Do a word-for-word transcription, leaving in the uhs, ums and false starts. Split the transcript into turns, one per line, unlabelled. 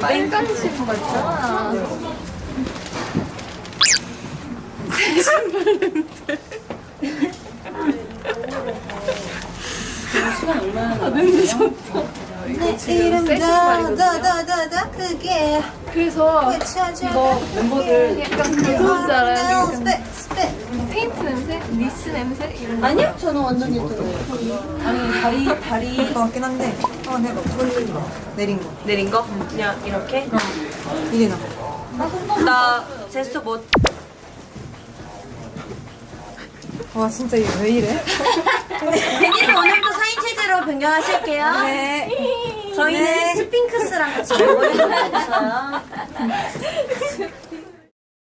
뺑까지 신은 거 있잖아. 신발 냄새. 시간 얼마나 나? 냄새 좋다.
내 이름 더더더더더 크게
그래서
외쳐줘.
이거 멤버들 약간 그거인 줄 알아요.
스펙 스펙.
페인트 냄새? 니스 냄새? 이런 거.
아니요? 저는 완전 예쁘네요.
아니 다리 다리
것 같긴 한데 한번 해봐. 내린 거.
내린 거? 그냥 이렇게?
이게 나.
나 제스처 못.
와 진짜 이게 왜 이래?
대기는 오늘도 사인 체제로 변경하실게요.
네.
저희는
네.
스핑크스랑 같이 멤버들이 없어요.